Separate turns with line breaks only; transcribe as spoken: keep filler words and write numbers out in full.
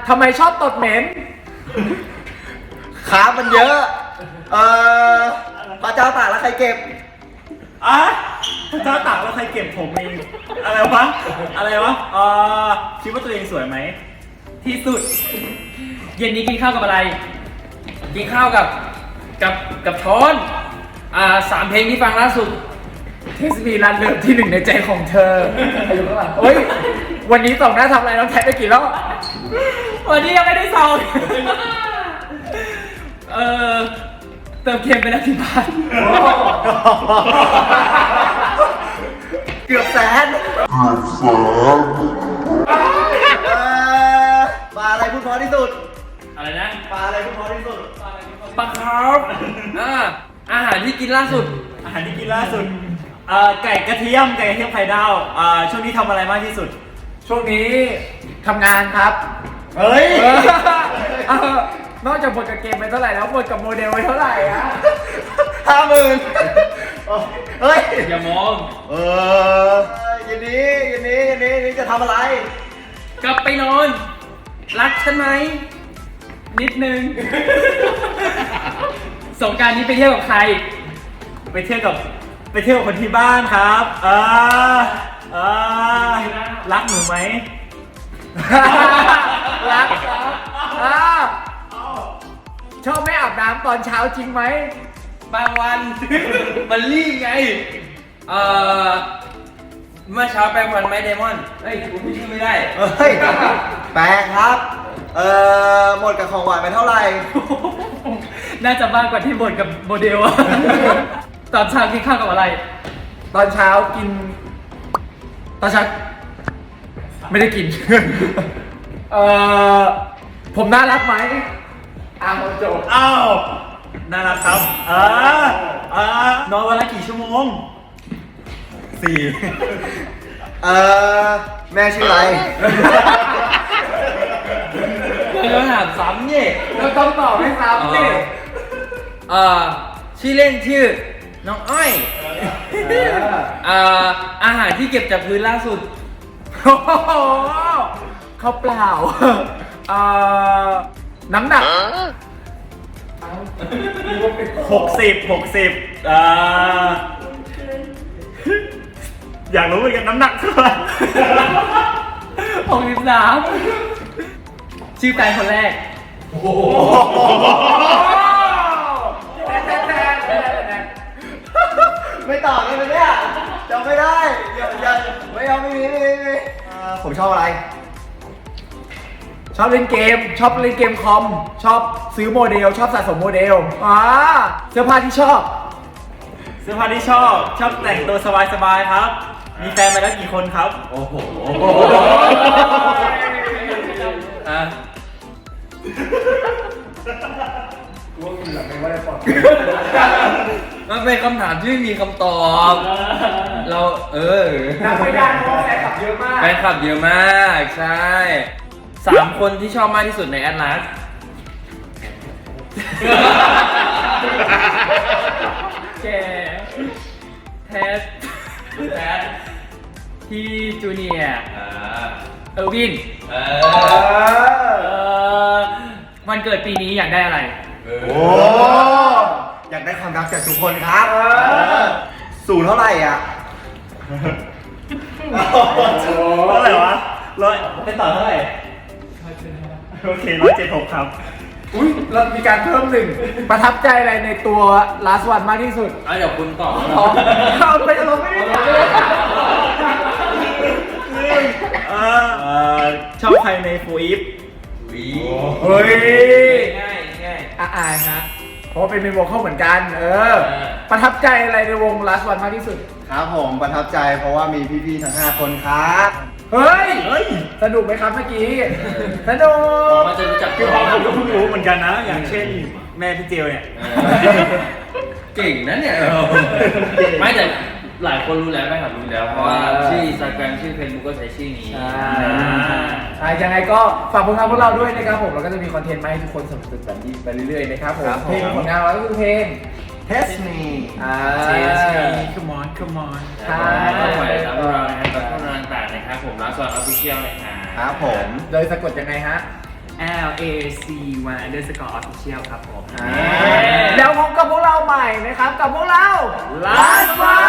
ทำไมชอบตดเหม็น
ขามันเยอะ เอ่อพระเจ้าตากแล้วใครเก็บ
อ่ะพระเจ้าตากแล้วใครเก็บผมเองอะไรวะอะไรวะเอ่อคิดว่าตัวเองสวยไหม
ที่สุด เย็นนี้กินข้าวกับอะไร กินข้าวกับกับกับช้อนอ่าสามเพลงที่ฟังล่าสุด
เทสมีรันเลิฟที่หนึ่งในใจของเธออายุเท่าไหร่เฮ้ย วันนี้สองหน้าทำอะไรน้องแท็กไปกี่รอบ
วันนี้ยังไม่ได้ซองเออเติมเค็มไปแล้วที่บ้าน
เกือบแสนเกือบแสนเอ่อปลาอะไรพูดเพราะที่สุด
อะไรนะ
ปลาอะไรพูดเพราะที่สุด
ปลาคาร์ฟอ่าอาหารที่กินล่าสุด
อาหารที่กินล่าสุดเอ่อไก่กระเทียมไก่กระเทียมไข่ดาวอ่าช่วงนี้ทำอะไรมากที่สุด
ช่วงนี้ทำงานครับ
เฮ้ย
เออเออนอกจากบทกับเกมไปเท่าไหร่แล้วบทกับโมเดลไปเท่าไหร่อะ
ห้าหมื่นเฮ้ย
อย่ามอง
เออยันนี้ยันนี้ยันนี้ยันนี้จะทำอะไร
กลับไปนอน รักฉันไหม นิดนึง สงกรานต์นี้ไปเที่ยวกับใคร
ไปเที่ยวกับไปเที่ยวกับคนที่บ้านครับอ่าอ่ารักหนูไหม
รักครับอ่าชอบไม่อาบน้ำตอนเช้าจริงไหม
บางวัน มันรีบไง เอ่อ เมื่อเช้าแปรงฟันไหมเดมอน เฮ้ยกูพูดชื่อไม่ได้
เฮ้ย แปลงครับ เอ่อ หมดกับของหวานไปเท่าไหร่
น่าจะมากกว่าที่บ่นกับโมเดลอะ ตอนเช้ากินข้าวกับอะไร
ตอนเช้ากิน ตอนเช้าไม่ได้กิน เอ่อ ผมน่ารักไหมอ้าวจบ
อ้าวน่ารักครับอ่าอ่านอนวันละกี่ชั่วโมงสี่
เอ่อ แม่ชื่ออะไร
เราถามซ้ำเนี่ย
เราต้องตอบให้ซ้ำสิ
เอ่อ ชื่อเล่นชื่อ น้องอ้อย เอ่อ อาหารที่เก็บจากพื้นล่าสุด
โอ้โหข้าวเปล่า เอ่อ น้ำหนัก
หกสิบหกสิบอ่าอยากรู้เหมือนกันน้ำหนักเท่าไหร่
หกสิบสาม ชื่อแฟนคนแรก
ไม่ตอบเลยนะเนี่ยจำไม่ได้อย่าอย่าไม่เอาไม่มีไม่มีไม่มีอ่าผมชอบอะไร
ชอบเล่นเกม ชอบเล่นเกมคอม ชอบซื้อโมเดล ชอบสะสมโมเดลอ่าเสื้อผ้าที่ชอบ
เสื้อผ้าที่ชอบ ชอบแต่งตัวสบายๆครับ มีแฟนมาแล้วกี่คนครับ โอ้โห
อ่ะ มันเป็นคำถามที่ไม่มีคำตอบ เรา เออ
นับไม่ได้เพราะว่าแฟนคลับเยอะมาก
แฟนคลับเยอะมาก ใช่ สามคนที่ชอบมากที่สุดในแอตลาส แกแทสแทสที่จูเนียร์เออร์วิน เออวันเกิดปีนี้อยากได้อะไร
โอ้อยากได้ความรักจากทุกคนครับสูงเท่าไหร่อ่ะ
เท่าไหร่วะร้อยเป็นต่อเท่าไหร่โอเคร้อยเจ็ดหกครับ
อุ้ยเรามีการเพิ่มหนึ่ง ประทับใจอะไรในตัว last one มากที่สุด
อ่ะเดี๋ยวคุณตอบ
อ๋อเอาไปเราไม่ได้ถามเลย
เอ่อเอ่อชอบใครในฟูอิฟ
เฮ้ย
ง่ายง่าย
อาอายฮะ เพราะว่าเป็นเมนวงเข้าเหมือนกัน เออ
เออ
ประทับใจอะไรในวง last one มากที่สุด
ครับผมประทับใจเพราะว่ามีพี่ๆทั้งห้าคนครับ
เฮ้ย
เฮ้ย
สนุกไหมครับเมื่อกี้ สนุก
มันจะรู้จัก
คือผมก็เพิ่งรู้เหมือนกันนะ อย่างเช่นแม่พี่เจลเนี่ย
เก่งนะเนี่ย ไม่แต่หลายคนรู้แล้วไม่ครับรู้แล้ว เพราะว่าชื่อ Instagram ชื่อ Facebook ก็ใช้ชื่อนี้
ใช่ใช่ยังไงก็ฝากผลงานพวกเราด้วยนะครับผมเราก็จะมีคอนเทนต์มาให้ทุกคนสนุกแบบนี้ไปเรื่อยๆนะครับผม
ครับผม
เพลงผลงานเราก็คือเพลง
Test me
อ่า
come on come on
ครับก็ปล่อยรับพวกเรานะครับตามช่องทางต่างๆนะครับผมร้านสวนออฟฟิเชียลนะครับ
ครับผม
โดยสะกดยังไงฮะ
T
L A C Y underscore official ครับผม
แล้วพบกับพวกเราใหม่นะครับกับพวกเรา
Last One